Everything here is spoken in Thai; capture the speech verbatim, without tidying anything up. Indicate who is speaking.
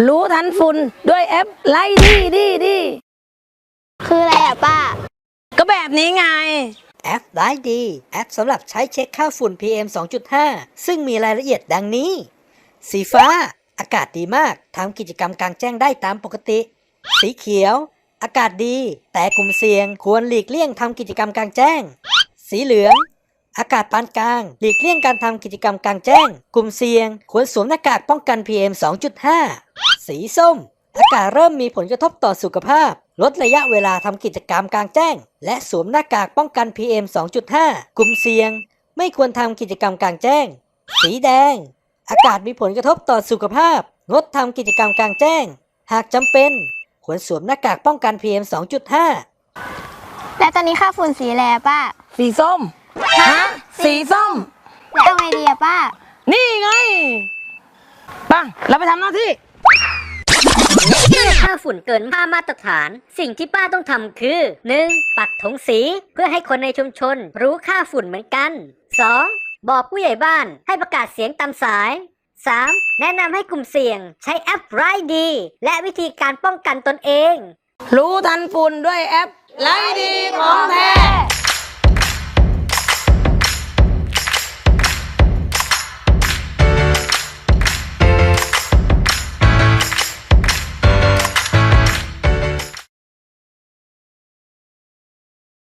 Speaker 1: รู้ทันฝุ่นด้วยแอปไล่ดีดีดี
Speaker 2: คืออะไรอ่ะป้า
Speaker 1: ก็แบบนี้ไง
Speaker 3: แอปไลฟ์ดีแอปสำหรับใช้เช็คค่าฝุ่น พี เอ็ม สองจุดห้า ซึ่งมีรายละเอียดดังนี้ สีฟ้าอากาศดีมากทำกิจกรรมกลางแจ้งได้ตามปกติ สีเขียวอากาศดีแต่กลุ่มเสี่ยงควรหลีกเลี่ยงทำกิจกรรมกลางแจ้ง สีเหลืองอากาศปานกลางหลีกเลี่ยงการทำกิจกรรมกลางแจ้ง กลุ่มเสี่ยงควรสวมหน้ากากป้องกัน พี เอ็ม สองจุดห้า สีส้มอากาศเริ่มมีผลกระทบต่อสุขภาพลดระยะเวลาทำกิจกรรมกลางแจ้งและสวมหน้ากากป้องกัน พี เอ็ม สองจุดห้า กลุ่มเสี่ยงไม่ควรทำกิจกรรมกลางแจ้งสีแดงอากาศมีผลกระทบต่อสุขภาพงดทำกิจกรรมกลางแจ้งหากจำเป็นควรสวมหน้ากากป้องกัน พี เอ็ม สองจุดห้า
Speaker 2: แล้วตอนนี้ค่าฝุ่นสีอะไรอะป้า
Speaker 1: สีส้มฮะสีส้ม
Speaker 2: แล้วเอาไงดีอะป้า
Speaker 1: นี่ไงปังเราไปทำหน้าที่
Speaker 4: เมื่อค่าฝุ่นเกินค่ามาตรฐานสิ่งที่ป้าต้องทำคือ หนึ่ง ปักธงสีเพื่อให้คนในชุมชนรู้ค่าฝุ่นเหมือนกัน สอง บอกผู้ใหญ่บ้านให้ประกาศเสียงตามสาย สาม แนะนำให้กลุ่มเสี่ยงใช้แอปไรดีและวิธีการป้องกันตนเอง
Speaker 1: รู้ทันฝุ่นด้วยแอปไล่ดีของแท้